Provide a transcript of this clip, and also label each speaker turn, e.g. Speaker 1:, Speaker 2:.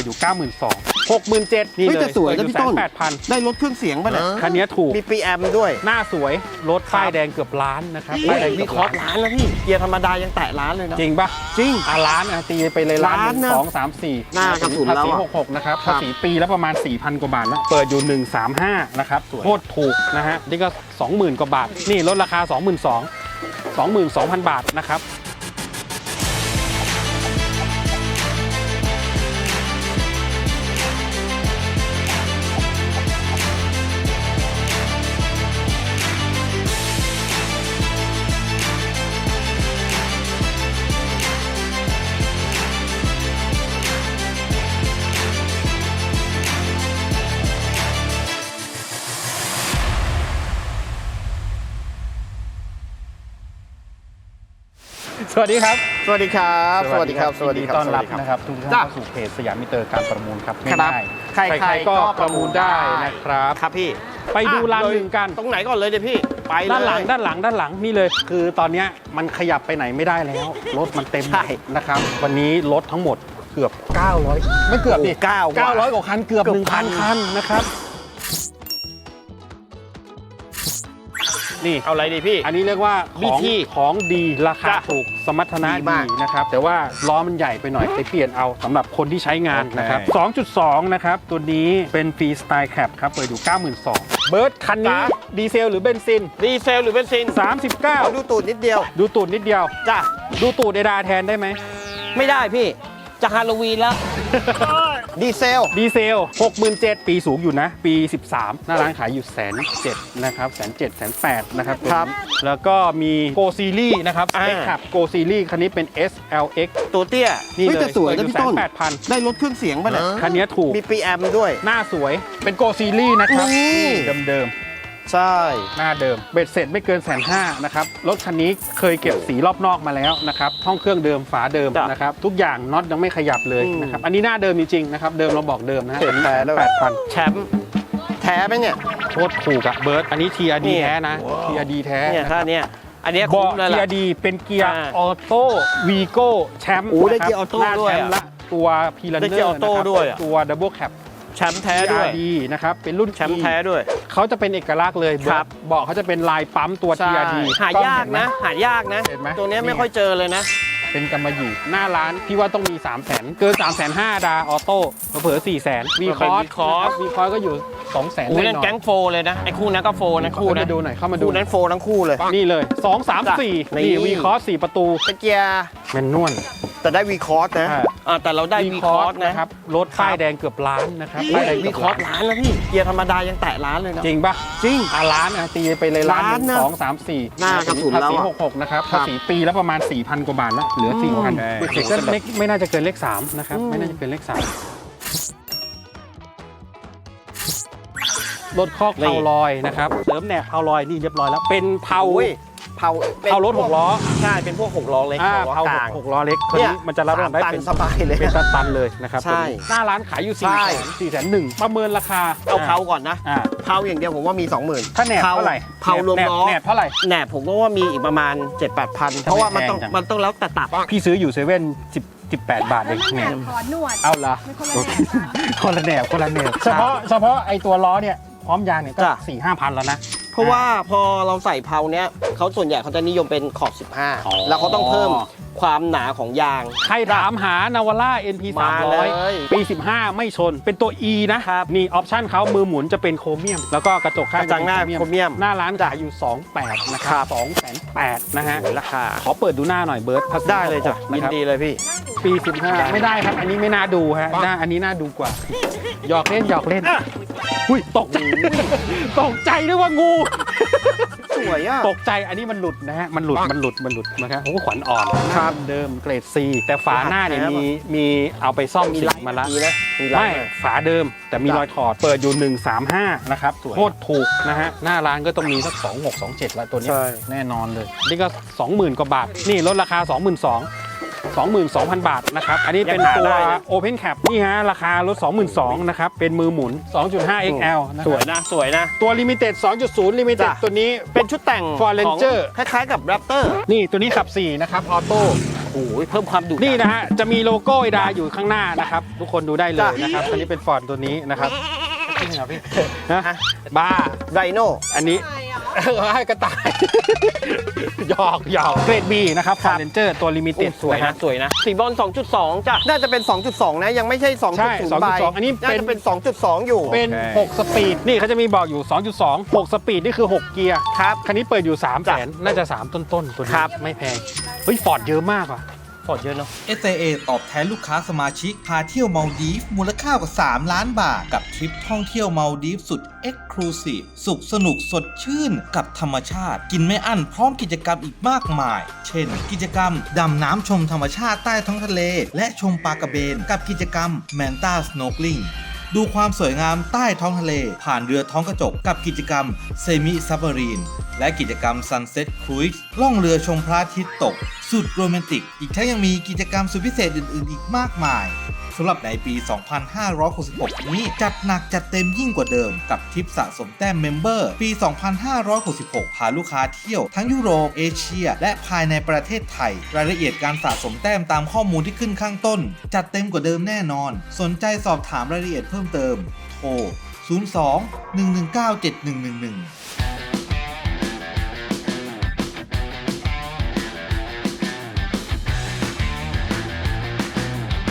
Speaker 1: อยู่ 92,000 67,000นี่เลย
Speaker 2: สวยนะพี่ต้น
Speaker 1: 8,000
Speaker 2: ได้รถเครื่องเสียงป่ะเนี่ย
Speaker 1: คันนี้ถูก
Speaker 2: มีปีแอมด้วย
Speaker 1: หน้าสวยรถป้ายแดงเกือบล้านนะครับป้ายแดง
Speaker 2: มีคอร์สล้านแล้วพี่เกียร์ธรรมดายังแตะล้านเลยนะ
Speaker 1: จริงปะ
Speaker 2: จริง
Speaker 1: ล้านนะตีไปเลยล้าน
Speaker 2: นะ
Speaker 1: 2 3 4
Speaker 2: หน้ากระสุนแล้ว
Speaker 1: ภาษี66นะครับภาษีปีแล้วประมาณ 4,000 กว่าบาทแล้วเปิดอยู่135นะครับโคตรถูกนะฮะนี่ก็ 20,000 กว่าบาทนี่ลดราคา 22,000 บาทนะครับสวัสดีครับ
Speaker 2: สวัสดีครับสวัสดีครับ
Speaker 1: ยินดีต้อนรับนะครับทุกท่านเข้าสู่เพจสยามมิเตอร์การประมูลครับง่ายๆใครๆก็ประมูลได้นะครับ
Speaker 2: ครับพี่
Speaker 1: ไปดูร้านหนึ่งกัน
Speaker 2: ตรงไหนก่อนเลยเดี๋ยวพี่ไปเลย
Speaker 1: ด้านหลังนี่เลยคือตอนนี้มันขยับไปไหนไม่ได้แล้วรถมันเต็มนะครับวันนี้รถทั้งหมดเกือบ900ไม่เกือบดิ900กว่าคันเกือบ 1,000 คันนะครับนี่
Speaker 2: เอาอะไรดีพี่
Speaker 1: อันนี้เรียกว่าของดีราคาถูกสมรรถนะดีนะครับแต่ว่าล้อมันใหญ่ไปหน่อยไปเปลี่ยนเอาสำหรับคนที่ใช้งานนะครับ 2.2 นะครับตัวนี้เป็นฟรีสไตล์แคปครับเปิดอยู่ 92,000 เบิร์ดคันนี้ดีเซลหรือเบนซิน
Speaker 2: ดีเซลหรือเบนซิน
Speaker 1: 39
Speaker 2: ดูตูดนิดเดียว
Speaker 1: จ้ะดูตูดเอดาแทนได้ไหม
Speaker 2: ไม่ได้พี่จะฮาโลวีนแล้วดีเซล
Speaker 1: 67,000 ปีสูงอยู่นะปี13หน้าร้านขายอยู่107,000นะครับ107,000 นะครับแล้วก็มีโกซีรีส์นะครับเอ็กซ์ขับโกซีรีส์คันนี้เป็น SLX
Speaker 2: ตัวเตี้ย
Speaker 1: นี่เลย
Speaker 2: สวยนะพี่ต้น
Speaker 1: 8,000
Speaker 2: ได้รถเครื่องเสียงป่ะเนี่ย
Speaker 1: คันนี้ถูก
Speaker 2: มีปีแอมด้วย
Speaker 1: หน้าสวยเป็นโกซีรีส์นะครับเดิม
Speaker 2: ใช่
Speaker 1: หน้าเดิมเบ็ดเสร็จไม่เกิน150,000นะครับรถคันนี้เคยเก็บสีรอบนอกมาแล้วนะครับห้องเครื่องเดิมฝาเดิมนะครับทุกอย่างน็อตยังไม่ขยับเลยนะครับอันนี้หน้าเดิมจริงๆนะครับเดิมเราบอกเดิมนะฮะ
Speaker 2: 8,000แชมป์แท้ไหมเนี่ย
Speaker 1: โคตรถูกอะเบิร์ดอันนี้ TRD แท้นะ TRD แท้
Speaker 2: เนี่ยถ้าเนี่ยอันนี้
Speaker 1: คุ้มเลยล่ะ TRD เป็นเกียร์ออโต้วีโก้แชมป์
Speaker 2: ได้เกียร์ออโต้ด้วย
Speaker 1: ละตัวพีลันเนอร์นะครับตัวดับเบิลแคป
Speaker 2: แชมป์แท้ด้วย
Speaker 1: นะครับเป็นรุ่น
Speaker 2: แชมป์แท้ด้วย
Speaker 1: เขาจะเป็นเอกลักษณ์เลยบอกเขาจะเป็นลายปั๊มตัว TRD
Speaker 2: หายากนะตัวนี้ไม่ค่อยเจอเลยนะ
Speaker 1: เป็นกำมะหยี่หน้าร้านพี่ว่าต้องมี 300,000 เกิน 350,000 ดาออโต้เผลอ 400,000 วีคอร์สก็อยู่ 200,000
Speaker 2: นั่นแก๊งโฟเลยนะไอ้คู่นั้นก็โฟนะคู่นะ
Speaker 1: ดูหน่อยเข้ามาดู
Speaker 2: นั้นโฟทั้งคู่เลย
Speaker 1: นี่เลย2 3 4นี่วีคอร์ส4ประตู
Speaker 2: เกียร์
Speaker 1: แมนนวล
Speaker 2: แต่ได้วีคอร์สนะแต่เราได้วีคอร์สนะครับ
Speaker 1: รถป้ายแดงเกือบล้านนะครับป้ายแดง
Speaker 2: วีคอร์สล้านแล้วพี่เกียร์ธรรมดายังแตะล้านเลยนะ
Speaker 1: จริงปะ
Speaker 2: จริง
Speaker 1: ล้านนะตีไปเลยล้าน2 3 4
Speaker 2: หน้ากระสุนแล้ว
Speaker 1: ภาษี66นะครับภาษีปีแล้วประมาณ 4,000 กว่าบาทแล้วเหลือ 4,000 ก็ไม่น่าจะเกินเลข3นะครับไม่น่าจะเกินเลข3รถคอกเพาลอยนะครับเสริมแหนบเพาลอยนี่เรียบร้อยแล้วเป็นเพารถ6 ล้อ
Speaker 2: ใช่เป็นพวก6 ล้อเล็ก
Speaker 1: เพา6 ล้อเล็กตัวนี้มันจะรับได้เป็น
Speaker 2: สบายเลย
Speaker 1: เป็นตันเลยนะครับใช่หน้าร้านขายอยู่400,000 ประเมินราคา
Speaker 2: เอาเพาก่อนนะเพาอย่างเดียวผมว่ามี 20,000
Speaker 1: ถ้าแหนบเท่าไหร่
Speaker 2: เพารวมล้อ
Speaker 1: แหนบเท่าไหร่
Speaker 2: แหนบผมก็ว่ามีอีกประมาณ 7-8,000เพราะว่ามันต้องแล้วแต่ตับ
Speaker 1: พี่ซื้ออยู่เซเว่น18 บาทเองแหนบเอาละคนละแหนบเฉพาะไอตัวล้อเนี่ยพร้อมยางเนี่ยก็ 4-5,000 แล้วนะ
Speaker 2: เพราะว่าพอเราใส่เพาเนี้ยเขาส่วนใหญ่เขาจะนิยมเป็นขอบ15แล้วเขาต้องเพิ่มความหนาของยาง
Speaker 1: ใครถามหานาวาร่า NP 300ปี15ไม่ชนเป็นตัว E นะนี่ออปชั่นเขามือหมุนจะเป็นโครเมียมแล้วก็กระจกข้าง
Speaker 2: หน้าโครเมียม
Speaker 1: หน้าร้านขายอยู่ 28,000 นะครับ 280,000 นะฮะ
Speaker 2: ราคา
Speaker 1: ขอเปิดดูหน้าหน่อยเบิร์ด
Speaker 2: ได้เลยจ้ะยินดีเลยพี่
Speaker 1: ปี15ไม่ได้ครับอันนี้ไม่น่าดูฮะอันนี้น่าดูกว่าหยอกเล่นอุ้ยตกใจนึกว่างู
Speaker 2: สวยอ่ะ
Speaker 1: ตกใจอันนี้มันหลุดนะฮะมันหลุดนะครับผมก็ขวัญอ่อนครับเดิมเกรด C แต่ฝาหน้าเนี่ยมีเอาไปซ่อมสีมาละไม่ฝาเดิมแต่มีรอยถอดเปิดอยู่135นะครับโคตรถูกนะฮะหน้าร้านก็ต้องมีสัก26 27แล้วตัวนี้แน่นอนเลยนี่ก็ 20,000 กว่าบาทนี่ลดราคา 22,000 บาทนะครับอันนี้เป็นตัว Open Cap นี่ฮะราคารถ 22,000 นะครับเป็นมือหมุน 2.5 XL
Speaker 2: สวยนะ
Speaker 1: ตัว Limited 2.0 Limited ตัวนี้
Speaker 2: เป็นชุดแต่ง
Speaker 1: Ford Ranger
Speaker 2: คล้ายๆกับ Raptor
Speaker 1: นี่ตัวนี้ขับ4นะครับออโต้
Speaker 2: เพิ่มความดุดั
Speaker 1: นี่นะฮะจะมีโลโก้ไอดาอยู่ข้างหน้านะครับทุกคนดูได้เลยนะครับอันนี้เป็นฟอร์ดตัวนี้นะครับจริงเหรอพี่นะบ้า
Speaker 2: ไรโน่
Speaker 1: อันนี้ให้กระต่าย หยอกเกรด B นะครับฟอร์ดเรนเจอร์ตัวลิมิเต็ด
Speaker 2: สวยนะสวยนะสีบอล 2.2 จ้ะน่าจะเป็น 2.2 นะยังไม่ใช่ 2.0
Speaker 1: ใช่
Speaker 2: ใบ
Speaker 1: 2.2 อันนี้
Speaker 2: น่าจะเป็น 2.2 อยู่
Speaker 1: เป็น 6 สปีด นี่เขาจะมีบอกอยู่ 2.2 6 สปีด นี่คือ 6 เกียร์
Speaker 2: ครับ
Speaker 1: คันนี้เปิดอยู่ 3 แสน น่าจะ 3 ต้นตัวนี้
Speaker 2: ครับ
Speaker 1: ไม่แพง เฮ้ย ฟอร์ดเยอะมากว่ะ
Speaker 2: ฟอร์ดเยอะเนาะ
Speaker 3: SAA ตอบแทนลูกค้าสมาชิกพาเที่ยวมาลดีฟส์มูลค่ากว่า 3 ล้านบาท กับทริปท่องเที่ยวมาลดีฟส์สุด Exclusive สุขสนุกสดชื่นกับธรรมชาติ กินไม่อั้นพร้อมกิจกรรมอีกมากมาย เช่น กิจกรรมดำน้ำชมธรรมชาติใต้ท้องทะเล และชมปลากระเบน กับกิจกรรม Manta Snorkeling ดูความสวยงามใต้ท้องทะเล ผ่านเรือท้องกระจกกับกิจกรรม Semi Submarine และกิจกรรม Sunset Cruise ล่องเรือชมพระอาทิตย์ตก สุดโรแมนติก อีกทั้งยังมีกิจกรรมสุดพิเศษอื่นๆ อีกมากมาย สำหรับในปี 2566 นี้จัดหนักจัดเต็มยิ่งกว่าเดิมกับทริปสะสมแต้มเมมเบอร์ปี 2566 พาลูกค้าเที่ยวทั้งยุโรป เอเชีย และภายในประเทศไทย รายละเอียดการสะสมแต้มตามข้อมูลที่ขึ้นข้างต้น จัดเต็มกว่าเดิมแน่นอน สนใจสอบถามรายละเอียดเพิ่มเติม โทร 02 119 7111